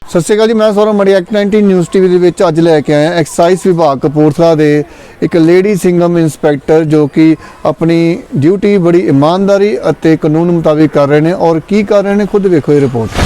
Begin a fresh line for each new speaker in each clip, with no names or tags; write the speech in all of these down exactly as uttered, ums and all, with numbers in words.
ਸਤਿ ਸ਼੍ਰੀ ਅਕਾਲ ਜੀ, ਮੈਂ ਸੌਰਵ ਮੜੀ ਐਕਟ ਨਾਈਨਟੀ ਨਿਊਜ਼ ਟੀਵੀ ਦੇ ਵਿੱਚ ਅੱਜ ਲੈ ਕੇ ਆਇਆ ਐਕਸਾਈਜ਼ ਵਿਭਾਗ ਕਪੂਰਥਲਾ ਦੇ ਇੱਕ ਲੇਡੀ ਸਿੰਗਮ ਇੰਸਪੈਕਟਰ ਜੋ ਕਿ ਆਪਣੀ ਡਿਊਟੀ ਬੜੀ ਇਮਾਨਦਾਰੀ ਅਤੇ ਕਾਨੂੰਨ ਮੁਤਾਬਿਕ ਕਰ ਰਹੇ ਨੇ। ਔਰ ਕੀ ਕਰ ਰਹੇ ਨੇ ਖੁਦ ਵੇਖੋ ਇਹ ਰਿਪੋਰਟ।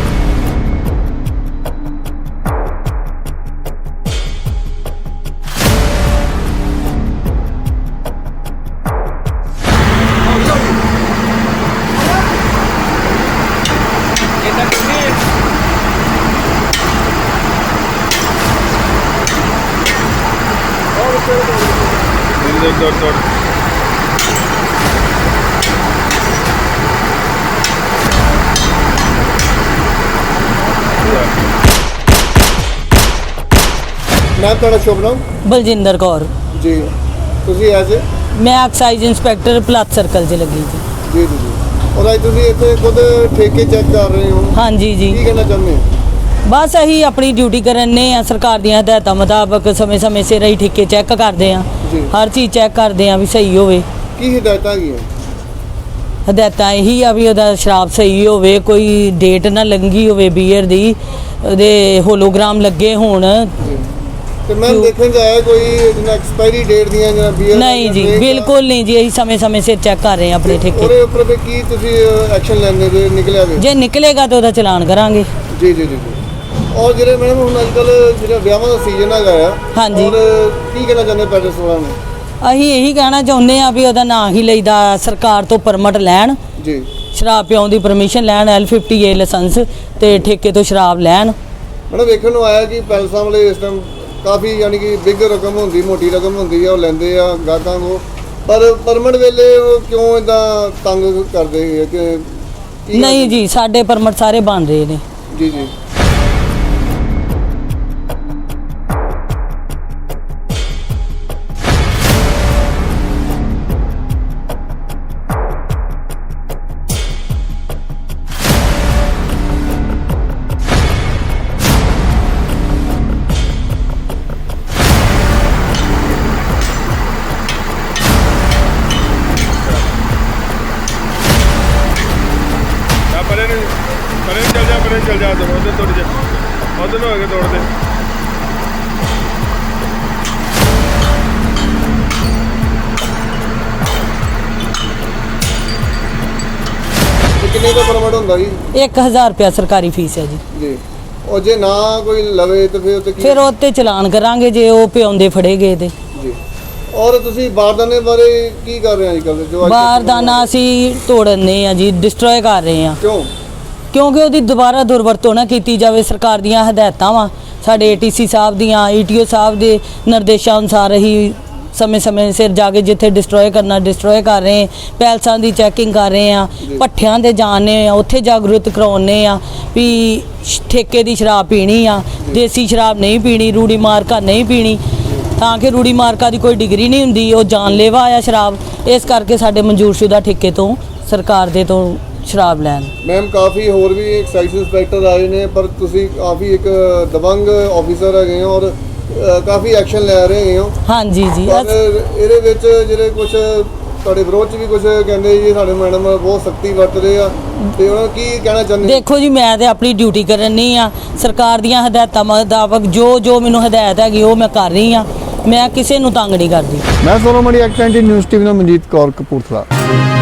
Dot, dot.
ਮੈਂ ਤੁਹਾਡਾ ਸ਼ੁਭ ਨਾਮ
ਬਲਜਿੰਦਰ ਕੌਰ
ਜੀ, ਤੁਸੀਂ ਐਜ਼
ਮੈਂ ਐਕਸਾਈਜ਼ ਇੰਸਪੈਕਟਰ ਪਲਾਸ ਸਰਕਲ 'ਚ ਲੱਗੀ ਜੀ।
ਜੀ ਜੀ ਜੀ ਔਰ ਅੱਜ ਤੁਸੀਂ ਇੱਥੇ ਖੁਦ ਠੇਕੇ ਚੈੱਕ ਕਰ ਰਹੇ ਹੋ,
ਹਾਂਜੀ ਜੀ,
ਕੀ ਕਹਿਣਾ ਚਾਹੁੰਦੇ ਹੋ?
ਬਸ ਅਸੀਂ ਆਪਣੀ ਡਿਊਟੀ ਕਰਨੇ ਆ। ਸਰਕਾਰ ਦੀਆਂ ਹਦਾਇਤਾਂ ਮੁਤਾਬਕ ਸਮੇਂ ਸਮੇਂ ਸਿਰ ਅਸੀਂ ਠੇਕੇ ਚੈੱਕ ਕਰਦੇ ਆ,
ਜੀ।
ਹਰ ਚੀਜ਼ ਚੈੱਕ ਕਰਦੇ ਆ ਵੀ ਸਹੀ ਹੋਵੇ।
ਕੀ ਹਦਾਇਤਾਂ ਹੈਗੀਆਂ?
ਹਦਾਇਤਾਂ ਇਹੀ ਆ ਵੀ ਉਹਦਾ ਸ਼ਰਾਬ ਸਹੀ ਹੋਵੇ, ਕੋਈ ਡੇਟ ਨਾ ਲੰਘੀ ਹੋਵੇ ਬੀਅਰ ਦੀ, ਉਹਦੇ ਹੋਲੋਗ੍ਰਾਮ ਲੱਗੇ ਹੋਣ।
ਜੀ ਤੇ ਮੈਂ ਦੇਖਣ ਜਾਇਆ ਕੋਈ ਜਿਹਨਾਂ ਐਕਸਪਾਇਰੀ ਡੇਟ ਦੀਆਂ ਜਾਂ ਬੀਅਰ
ਨਹੀਂ ਜੀ, ਬਿਲਕੁਲ ਨਹੀਂ ਜੀ, ਅਸੀਂ ਸਮੇਂ ਸਮੇਂ ਸਿਰ ਚੈੱਕ ਕਰ ਰਹੇ ਆ ਆਪਣੇ ਠੇਕੇ।
ਉਹਦੇ ਉੱਪਰ ਵੀ ਕੀ ਤੁਸੀਂ ਐਕਸ਼ਨ ਲੈਂਦੇ ਜੇ ਨਿਕਲਿਆ ਵੇ?
ਜੇ ਨਿਕਲੇਗਾ ਤਾਂ ਉਹਦਾ ਚਲਾਨ ਕਰਾਂਗੇ।
ਜੀ ਜੀ ਜੀ ਔਰ ਜਿਹੜੇ ਮੈਡਮ ਹੁਣ ਅੱਜ ਕੱਲ੍ਹ ਜਿਹੜਾ ਵਿਆਹਾਂ ਦਾ ਸੀਜ਼ਨ ਹੈਗਾ ਆ,
ਹਾਂਜੀ,
ਔਰ ਕੀ ਕਹਿਣਾ ਚਾਹੁੰਦੇ ਪੈਟਰਸ ਵਾਲਿਆਂ ਨੂੰ?
ਅਸੀਂ ਇਹੀ ਕਹਿਣਾ ਚਾਹੁੰਦੇ ਆ ਵੀ ਉਹਦਾ ਨਾਂ ਹੀ ਲਈਦਾ, ਸਰਕਾਰ ਤੋਂ ਪਰਮਿਟ ਲੈਣ,
ਜੀ
ਸ਼ਰਾਬ ਪਿਆਉਣ ਦੀ ਪਰਮਿਸ਼ਨ ਲੈਣ, ਐਲ ਫਿਫਟੀ ਏ ਲਾਇਸੈਂਸ ਤੇ ਠੇਕੇ ਤੋਂ ਸ਼ਰਾਬ ਲੈਣ।
ਮੈਡਮ ਵੇਖਣ ਨੂੰ ਆਇਆ ਕਿ ਪੈਲਸਾਂ ਵਾਲੇ ਇਸ ਟਾਈਮ ਕਾਫੀ ਯਾਨੀ ਕਿ ਬਿਗ ਰਕਮ ਹੁੰਦੀ, ਮੋਟੀ ਰਕਮ ਹੁੰਦੀ ਆ, ਉਹ ਲੈਂਦੇ ਆ ਗਾਹਕਾਂ ਕੋ, ਪਰ ਪਰਮਿਟ ਵੇਲੇ ਉਹ ਕਿਉਂ ਇਦਾਂ ਤੰਗ ਕਰਦੇ ਹੈ ਕਿ ਕੀ
ਨਹੀਂ ਜੀ, ਸਾਡੇ ਪਰਮਿਟ ਸਾਰੇ ਬਣ ਰਹੇ ਨੇ।
ਜੀ ਜੀ
चल जा उधर तोड़ जा, उधर हो गए तोड़ दे।
ਕਿੰਨੇ ਦਾ ਪਰਮਿਟ ਹੁੰਦਾ ਜੀ?
ਇੱਕ ਹਜ਼ਾਰ ਰੁਪਇਆ ਸਰਕਾਰੀ ਫੀਸ ਹੈ ਜੀ।
ਜੀ ਉਹ ਜੇ ਨਾ ਕੋਈ ਲਵੇ ਤਾਂ ਫਿਰ ਉੱਤੇ ਕੀ?
ਫਿਰ ਉਹ 'ਤੇ ਚਲਾਨ ਕਰਾਂਗੇ ਜੇ ਉਹ ਪਿਆਉਂਦੇ ਫੜੇ ਗਏ ਤੇ।
ਜੀ ਔਰ ਤੁਸੀਂ ਬਾਰਦਾਨੇ ਬਾਰੇ ਕੀ ਕਰ ਰਹੇ ਹੋ ਅੱਜ ਕੱਲ੍ਹ? ਜੋ
ਬਾਰਦਾਨਾ ਅਸੀਂ ਤੋੜਨੇ ਆ ਜੀ, ਡਿਸਟਰੋਏ ਕਰ ਰਹੇ ਆ।
ਕਿਉਂ?
ਕਿਉਂਕਿ ਉਹਦੀ ਦੁਬਾਰਾ ਦੁਰਵਰਤੋਂ ਨਾ ਕੀਤੀ ਜਾਵੇ। ਸਰਕਾਰ ਦੀਆਂ ਹਦਾਇਤਾਂ ਵਾ, ਸਾਡੇ ਏਟੀਸੀ ਸਾਹਿਬ ਦੀਆਂ, ਈਟੀਓ ਸਾਹਿਬ ਦੇ ਨਿਰਦੇਸ਼ਾਂ ਅਨੁਸਾਰ ਹੀ ਸਮੇਂ ਸਮੇਂ ਸਿਰ ਜਾ ਕੇ ਜਿੱਥੇ ਡਿਸਟਰੋਏ ਕਰਨਾ ਡਿਸਟਰੋਏ ਕਰ ਰਹੇ, ਪੈਲਸਾਂ ਦੀ ਚੈਕਿੰਗ ਕਰ ਰਹੇ ਆ, ਭੱਠਿਆਂ ਦੇ ਜਾਣੇ ਆ, ਉੱਥੇ ਜਾਗਰੂਕ ਕਰਾਉਣੇ ਆ ਵੀ ਠੇਕੇ ਦੀ ਸ਼ਰਾਬ ਪੀਣੀ ਆ, ਦੇਸੀ ਸ਼ਰਾਬ ਨਹੀਂ ਪੀਣੀ, ਰੂੜੀ ਮਾਰਕਾ ਨਹੀਂ ਪੀਣੀ, ਤਾਂ ਕਿ ਰੂੜੀ ਮਾਰਕਾ ਦੀ ਕੋਈ ਡਿਗਰੀ ਨਹੀਂ ਹੁੰਦੀ, ਉਹ ਜਾਨਲੇਵਾ ਆ ਸ਼ਰਾਬ। ਇਸ ਕਰਕੇ ਸਾਡੇ ਮਨਜ਼ੂਰਸ਼ੁਦਾ ਠੇਕੇ ਤੋਂ ਸਰਕਾਰ ਦੇ ਤੋਂ ਸ਼ਰਾਬ ਲੈਣ।
ਮੈਮ ਕਾਫੀ ਹੋਰ ਵੀ ਐਕਸਾਈਜ਼ ਇੰਸਪੈਕਟਰ ਆਏ ਨੇ, ਪਰ ਤੁਸੀਂ ਕਾਫੀ ਇੱਕ ਦਬੰਗ ਆਫੀਸਰ ਹੈਗੇ ਹੋ ਔਰ ਕਾਫੀ ਐਕਸ਼ਨ ਲੈ ਰਹੇ ਹੋ।
ਹਾਂਜੀ ਜੀ,
ਪਰ ਇਹਦੇ ਵਿੱਚ ਜਿਹੜੇ ਕੁਝ ਤੁਹਾਡੇ ਵਿਰੋਧ 'ਚ ਵੀ ਕੁਝ ਕਹਿੰਦੇ ਜੀ ਸਾਡੇ ਮੈਡਮ ਬਹੁਤ ਸਖਤੀ ਵਰਤ ਰਹੇ ਆ, ਤੇ ਉਹਨਾਂ ਨੂੰ ਕੀ ਕਹਿਣਾ ਚਾਹੁੰਦੇ?
ਦੇਖੋ ਜੀ, ਮੈਂ ਤੇ ਆਪਣੀ ਡਿਊਟੀ ਕਰਨੀ ਆ, ਸਰਕਾਰ ਦੀਆਂ ਹਦਾਇਤਾਂ ਮੁਤਾਬਕ ਜੋ ਜੋ ਮੈਨੂੰ ਹਦਾਇਤ ਹੈਗੀ ਉਹ ਮੈਂ ਕਰ ਰਹੀ ਆ, ਮੈਂ ਕਿਸੇ ਨੂੰ ਤੰਗ ਨਹੀਂ ਕਰਦੀ।
ਮੈਂ ਸੌਰਵ ਮੜੀ ਐਕਟ ਨਾਈਨਟੀ ਨਿਊਜ਼ ਟੀਵੀ ਨਾਲ ਮਨਜੀਤ ਕੌਰ ਕਪੂਰਥਲਾ।